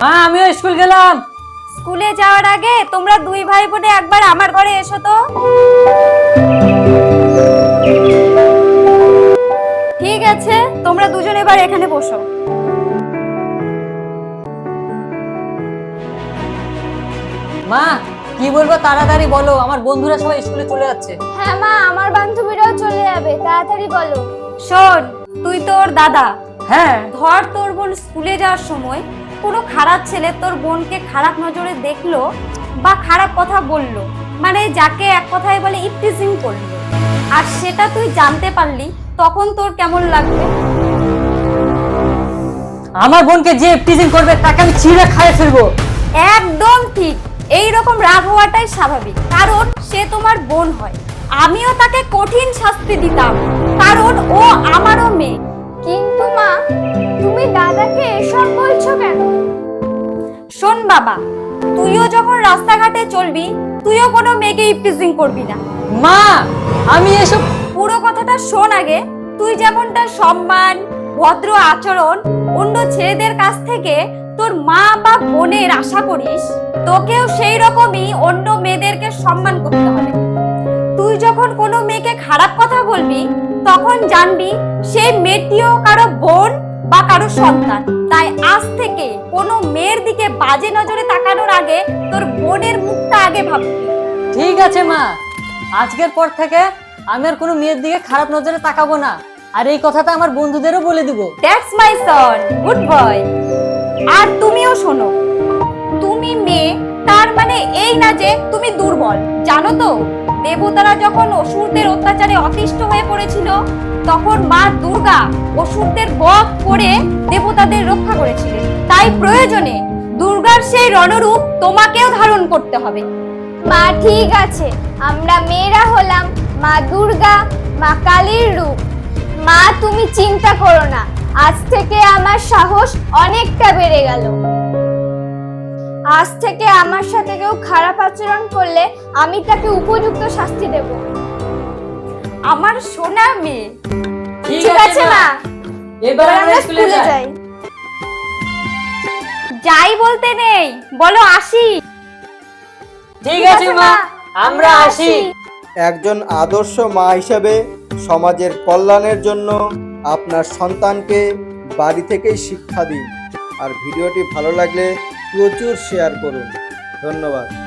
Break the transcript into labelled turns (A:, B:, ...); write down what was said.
A: মা আমিও স্কুল গেলাম।
B: স্কুলে যাওয়ার আগে তোমরা দুই ভাই বোনে একবার আমার ঘরে এসো তো। ঠিক আছে, তোমরা দুজন এবার এখানে বসো।
A: মা কি বলবো তাড়াতাড়ি বলো, আমার বন্ধুরা সবাই স্কুলে চলে যাচ্ছে।
C: হ্যাঁ মা, আমার বান্ধবীরাও চলে যাবে, তাড়াতাড়ি বলো।
B: শোন, তুই তোর দাদা।
A: হ্যাঁ।
B: ধর তোর বোন স্কুলে যাওয়ার সময় কোনো খারাপ ছেলে তোর বোনকে খারাপ নজরে দেখলো বা খারাপ কথা বললো, মানে যাকে এক কথায় বলে ইপটিজিং করলো, আর সেটা তুই জানতে পারলি, তখন তোর কেমন লাগবে?
A: আমার বোনকে যে টিজিং করবে তাকে আমি চিড়ে খাইয়ে ফেলবো।
B: একদম ঠিক। এই রকম রাগ হওয়াটাই স্বাভাবিক, কারণ সে তোমার বোন হয়। আমিও তাকে কঠিন শাস্তি দিতাম, কারণ ও আমারও মেয়ে।
C: কিন্তু মা, তুমি দাদাকে এসব বলছো কেন?
B: শোন বাবা, তুইও যখন রাস্তাঘাটে চলবি, তুইও কোনো মেয়েকে ইপটিজিং করবি না।
A: মা আমি এসব
B: পুরো কথাটা শোন আগে। তুই যেমনটা সম্মান, ভদ্র আচরণ অন্য ছেলেদের কাছ থেকে তোর মা বা বোনের আশা করিস, তোকেও সেই রকমই অন্য মেয়েদেরকে সম্মান করতে হবে। তুই যখন কোনো মেয়েকে খারাপ কথা বলবি, তখন জানবি সেই মেয়েটিও কারো বোন বা কারো সন্তান। তাই আজ থেকে কোনো মেয়ের দিকে বাজে নজরে তাকানোর আগে তোর বোনের মুখটা আগে ভাববি।
A: ঠিক আছে মা, আজকের পর থেকে আমি আর কোনো মেয়ের দিকে খারাপ নজরে তাকাবো না, আর এই কথাটা আমার বন্ধুদেরও বলে দিব।
B: That's my Son, good boy. আর তুমিও শোনো, তুমি মেয়ে তার মানে এই না যে তুমি দুর্বল। জানো তো, দেবতারা যখন অসুরদের অত্যাচারে অতিষ্ঠ হয়ে পড়েছিল, তখন মা দুর্গা অসুরদের বধ করে দেবতাদের রক্ষা করেছিলেন। তাই প্রয়োজনে দুর্গার সেই রণরূপ তোমাকেও ধারণ করতে হবে।
C: মা ঠিক আছে, আমরা মেয়েরা হলাম মা দুর্গা, মা কালীর রূপ। মা তুমি চিন্তা করো না, আজ থেকে আমার সাহস অনেকটা বেড়ে গেল। আজ থেকে আমার সাথে কেউ খারাপ আচরণ করলে আমি তাকে উপযুক্ত শাস্তি দেব।
B: আমার সোনা মেয়ে।
C: ঠিক আছে মা,
A: এবার
C: আমরা
A: আমরা স্কুলে
C: স্কুলে
A: যাই।
C: যাই।
B: যাই বলতে নেই, বলো আসি।
A: ঠিক আছে মা, আমরা আসি।
D: একজন আদর্শ মা হিসেবে সমাজের কল্যাণের জন্য আপনার সন্তানকে বাড়ি থেকেই শিক্ষা দিন। আর ভিডিওটি ভালো লাগলে প্রচুর শেয়ার করুন। ধন্যবাদ।